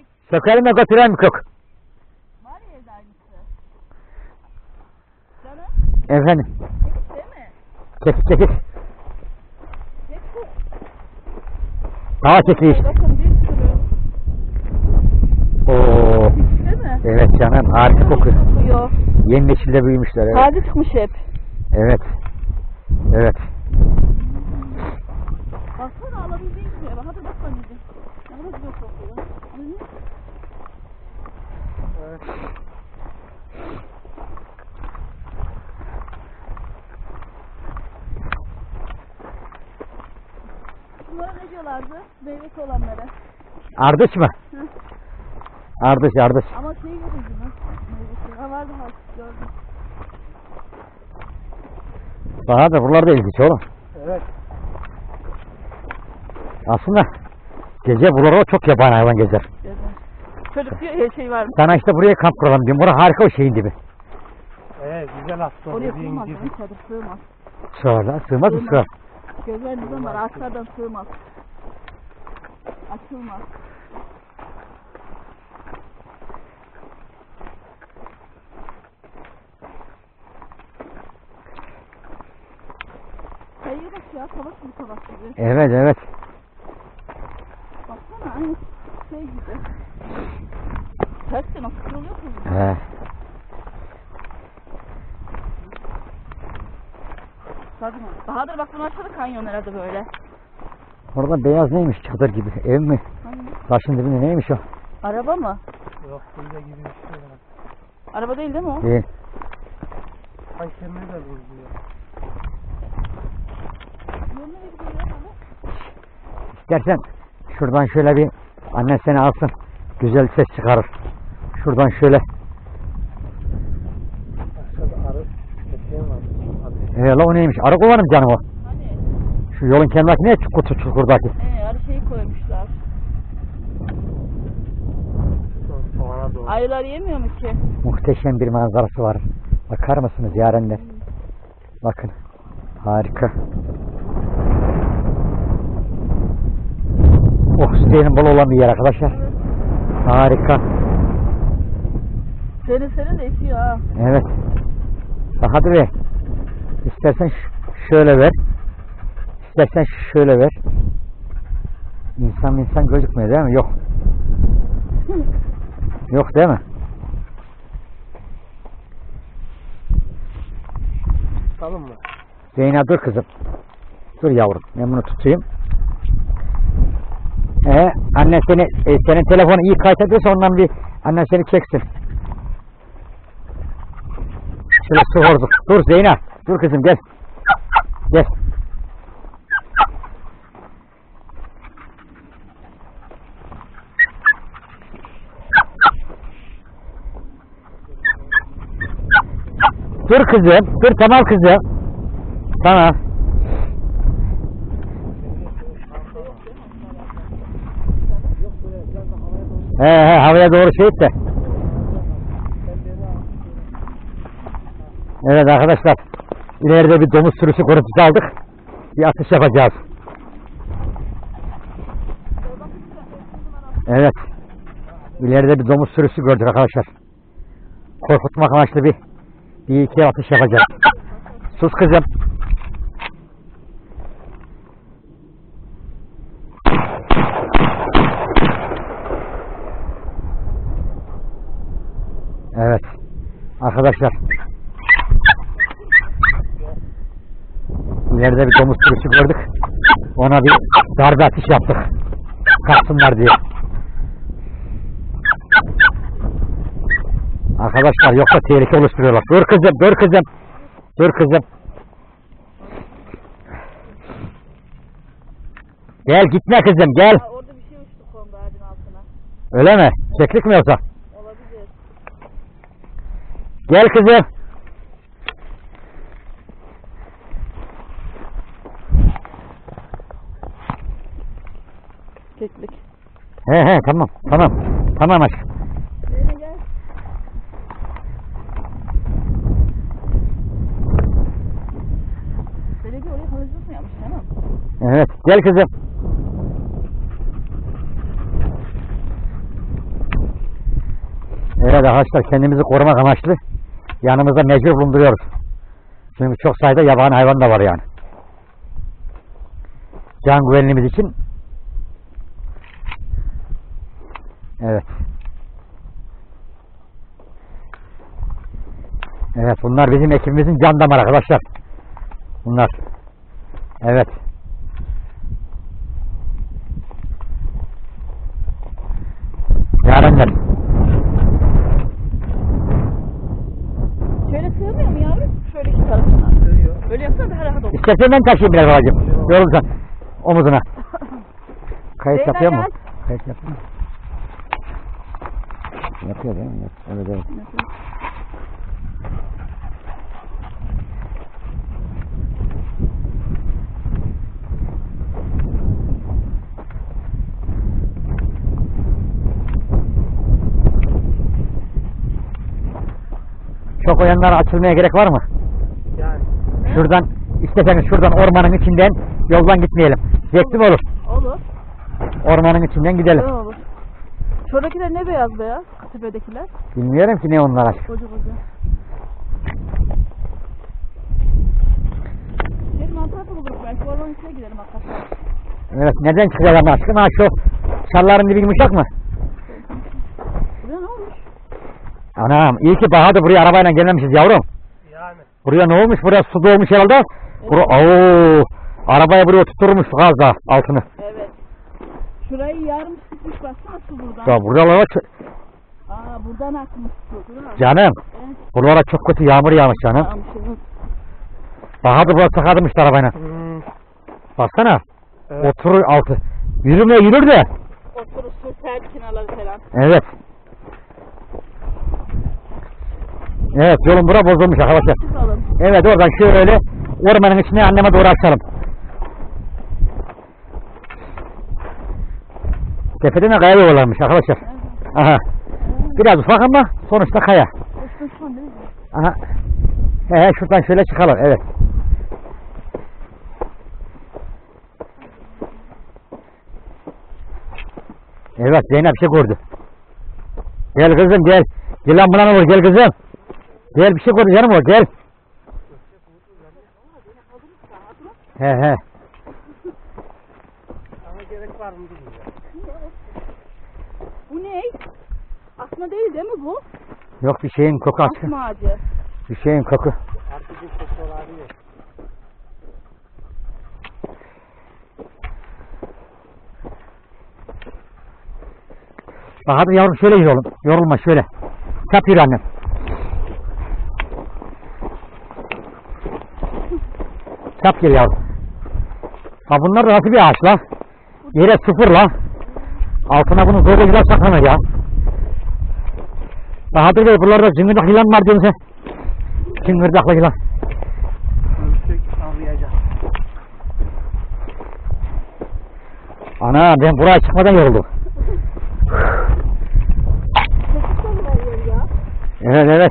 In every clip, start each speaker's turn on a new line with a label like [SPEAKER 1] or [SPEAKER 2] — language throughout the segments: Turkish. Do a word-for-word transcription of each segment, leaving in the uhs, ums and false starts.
[SPEAKER 1] Sökelim de götürelim kök.
[SPEAKER 2] Var ya evde aynısı. Canım.
[SPEAKER 1] Efendim.
[SPEAKER 2] Çekik değil mi?
[SPEAKER 1] Çekik çekik.
[SPEAKER 2] Çekik.
[SPEAKER 1] Daha çekik işte.
[SPEAKER 2] Bakın bir sürü.
[SPEAKER 1] Oo.
[SPEAKER 2] Çekik değil mi?
[SPEAKER 1] Evet canım, harika kokuyor.
[SPEAKER 2] Kokuyor.
[SPEAKER 1] Yeni nesilde büyümüşler. Evet.
[SPEAKER 2] Taze çıkmış hep.
[SPEAKER 1] Evet. Evet.
[SPEAKER 2] Baksana alabildiğin gibi. Bak hadi bak anneciğim. Ne kadar güzel kokuyor. Anne.
[SPEAKER 3] Evet.
[SPEAKER 2] Bunlara ne diyorlardı? Meyvesi olanlara.
[SPEAKER 1] Ardıç mı?
[SPEAKER 2] Hı.
[SPEAKER 1] Ardıç ardıç.
[SPEAKER 2] Ama şey görüldü mü? Meyvesi. Ha vardı ha. Gördüm.
[SPEAKER 1] Daha da buralarda ilginç oğlum.
[SPEAKER 3] Evet.
[SPEAKER 1] Aslında gece buralarda çok yabani hayvan gezer.
[SPEAKER 2] Gördüm. Çocuk diyor ya şey var mı?
[SPEAKER 1] Sana işte buraya kamp kuralım diyorum. Burası harika o şeyin dibi.
[SPEAKER 3] Evet, güzel aslında.
[SPEAKER 2] Oraya
[SPEAKER 3] dediğin
[SPEAKER 2] sığmaz.
[SPEAKER 3] gibi.
[SPEAKER 2] Onun çadır sığmaz.
[SPEAKER 1] Sığarlar. Sığmaz mı
[SPEAKER 2] Sığmaz.
[SPEAKER 1] sığar?
[SPEAKER 2] Gözler nizam var. Ağaçlardan sığmaz. Açılmaz. Kayıya bak ya. Savaş gibi savaş gibi.
[SPEAKER 1] Evet evet.
[SPEAKER 2] Baksana aynı şey gibi. Ters de nasıl kırılıyor ki?
[SPEAKER 1] He.
[SPEAKER 2] Tabii mi? Bahadır bak bunu aşağıda kanyon herhalde böyle.
[SPEAKER 1] Orada beyaz neymiş, çadır gibi? Ev mi?
[SPEAKER 2] Hani?
[SPEAKER 1] Taşın dibinde neymiş o?
[SPEAKER 2] Araba mı?
[SPEAKER 3] Yok, böyle gibi bir şey var.
[SPEAKER 2] Araba değil değil mi o?
[SPEAKER 1] Değil.
[SPEAKER 3] Ay kemeri de vuruluyor.
[SPEAKER 2] Yol nereye gidiyor ya böyle?
[SPEAKER 1] İstersen şuradan şöyle bir annen seni alsın. Güzel ses çıkarır. Şuradan şöyle.
[SPEAKER 3] Aşağıda arı eteğim var. Hadi.
[SPEAKER 1] He la o neymiş? Arı kovanım canım o.
[SPEAKER 2] Hani?
[SPEAKER 1] Şu yolun kenarındaki ne? Çukur, çukurdaki.
[SPEAKER 2] Ee, arı şeyi koymuşlar.
[SPEAKER 3] Soğana doğru.
[SPEAKER 2] Ayılar yemiyor mu ki?
[SPEAKER 1] Muhteşem bir manzarası var. Bakar mısınız yarenler? Bakın. Harika. Oksijenin bol olan bir yer arkadaşlar. Harika.
[SPEAKER 2] Senin senin de esiyor ha.
[SPEAKER 1] Evet. Bahadır Bey. İstersen ş- şöyle ver. İstersen şöyle ver. İnsan insan gözükmüyor değil mi? Yok. Yok değil mi?
[SPEAKER 3] Tamam mı?
[SPEAKER 1] Zeynep dur kızım. Dur yavrum. Ben bunu tutayım. Ee, annen seni, e, senin telefonu iyi kayıt ediyorsa ondan bir annen seni çeksin. Şöyle su hordu. Dur Zeynep. Dur kızım gel. Gel. Dur kızım. Dur tamam kızım. Tamam. He he havaya doğru şey et de. Evet arkadaşlar. İleride bir domuz sürüsü görüntüsü aldık. Bir atış yapacağız. Evet. İleride bir domuz sürüsü gördük arkadaşlar. Korkutmak amaçlı bir bir iki atış yapacağız. Sus kızım. Evet. Arkadaşlar. İleride bir domuz sürüsü gördük. Ona bir darbe atış yaptık. Kaçsınlar diye. Arkadaşlar yoksa tehlike oluşturuyorlar. Dur kızım, dur kızım. Dur kızım. Gel gitme kızım gel.
[SPEAKER 2] Ha, orada bir şey uçtu kondu ağacın altına.
[SPEAKER 1] Öyle mi? Keklik mi yoksa?
[SPEAKER 2] Olabilir.
[SPEAKER 1] Gel kızım.
[SPEAKER 2] Keklik.
[SPEAKER 1] He he tamam tamam. Tamam aşkım.
[SPEAKER 2] Zeynep gel. Belediye oraya havuzluk mu yapmış canım?
[SPEAKER 1] Evet gel kızım. Evet arkadaşlar, kendimizi korumak amaçlı yanımızda mecbur bulunduruyoruz. Çünkü çok sayıda yabani hayvan da var yani. Can güvenliğimiz için. Evet. Evet, bunlar bizim ekibimizin can damarı arkadaşlar. Bunlar. Evet. Yarenler.
[SPEAKER 2] Şöyle sığmıyor mu yavrum? Şöyle iki tarafına.
[SPEAKER 3] Sığıyor.
[SPEAKER 2] Böyle yapsana daha rahat olur.
[SPEAKER 1] İstersen ben taşıyayım biraz babacığım. Yorulsan. Omuzuna. Kayıt
[SPEAKER 2] Zeynep
[SPEAKER 1] yapıyor mu?
[SPEAKER 2] gel.
[SPEAKER 1] Kayıt yapıyor mu? Yapıyor değil mi? Evet, evet. Çok o yanlara açılmaya gerek var mı?
[SPEAKER 3] Yani.
[SPEAKER 1] Şuradan, isteseniz şuradan ormanın içinden yoldan gitmeyelim. Zevkli mi olur?
[SPEAKER 2] Olur.
[SPEAKER 1] Ormanın içinden gidelim.
[SPEAKER 2] Güzel olur. Şuradakiler ne beyaz beyaz? Tepedekiler.
[SPEAKER 1] Bilmiyorum ki ne onlar aşkım.
[SPEAKER 2] Koca koca. Gelin mantar da buluruz belki. Ormanın içine gidelim hakikaten.
[SPEAKER 1] Evet, neden çıkacak ama aşkım? Ha şu çalların dibi yumuşak mı?
[SPEAKER 2] Buraya ne olmuş?
[SPEAKER 1] Anam, iyi ki Bahadır buraya arabayla gelmemişiz yavrum.
[SPEAKER 3] Yani.
[SPEAKER 1] Buraya ne olmuş? Buraya su dolmuş herhalde.
[SPEAKER 2] Evet.
[SPEAKER 1] Bura, ooo, arabaya buraya tutturmuş az daha altını.
[SPEAKER 2] Evet. Şurayı yarım sıkmış baksana su buradan.
[SPEAKER 1] Ya buralara ç-
[SPEAKER 2] Aa buradan akmış su. Değil mi?
[SPEAKER 1] canım,
[SPEAKER 2] Evet.
[SPEAKER 1] buralara çok kötü yağmur yağmış canım.
[SPEAKER 2] Tamam, evet.
[SPEAKER 1] Bahadır buraya sakadırmış arabayla.
[SPEAKER 3] Hmm.
[SPEAKER 1] Baksana,
[SPEAKER 3] Evet.
[SPEAKER 1] oturur altı. Yürümeye yürür de.
[SPEAKER 2] Oturur su sel kenarları falan.
[SPEAKER 1] Evet. Evet, yolun bura bozulmuş arkadaşlar.
[SPEAKER 2] Çıkalım.
[SPEAKER 1] Evet, oradan şöyle ormanın içine anneme doğru açalım. Tepede de kaya yuvarlanmış arkadaşlar.
[SPEAKER 2] Evet.
[SPEAKER 1] Aha. Biraz ufak ama sonuçta kaya.
[SPEAKER 2] Üstün şu an değil mi?
[SPEAKER 1] Aha. He he, şuradan şöyle çıkalım. Evet. Evet, Zeynep bir şey gördü. Gel kızım gel. Gel lan buna ne olur, gel kızım. Gel, bir şey gördü canım o, gel. He he.
[SPEAKER 3] Ama gerek var mı bilmiyorum.
[SPEAKER 2] Bu ne? Asma değil değil mi bu?
[SPEAKER 1] Yok, bir şeyin koku aşkı.
[SPEAKER 2] Asma ağacı.
[SPEAKER 1] Bir şeyin koku.
[SPEAKER 3] Artık bir koku arıyor.
[SPEAKER 1] Bak hadi yavrum, şöyle yürü oğlum. Yorulma şöyle. Çap yürü annem. Çap yürü yavrum. Ha bunlar da nasıl bir ağaç la? Yere sıfır la. Altına bunu böyle güzel saklanır ya. Bahadır Bey, buralarda cıngırdak yılan var diyorsun sen. Cıngırdaklı yılan.
[SPEAKER 3] Ölçek avlayacağım.
[SPEAKER 1] Ana, ben buraya çıkmadan yoruldum. Evet evet.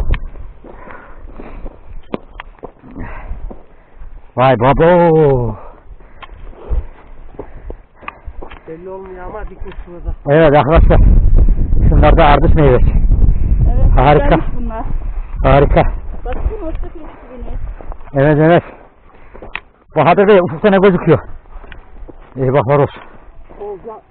[SPEAKER 1] Vay babo.
[SPEAKER 3] Belli olmuyor ama dikmiş şurada.
[SPEAKER 1] Evet arkadaşlar. Şunlar da ardış meyvesi.
[SPEAKER 2] Evet.
[SPEAKER 1] Harika.
[SPEAKER 2] güzelmiş bunlar.
[SPEAKER 1] Harika.
[SPEAKER 2] Baksana orta kılıçlı beni.
[SPEAKER 1] Evet evet. Bahadır Bey, ufukta ne gözüküyor? İyi baklar olsun.
[SPEAKER 3] Olca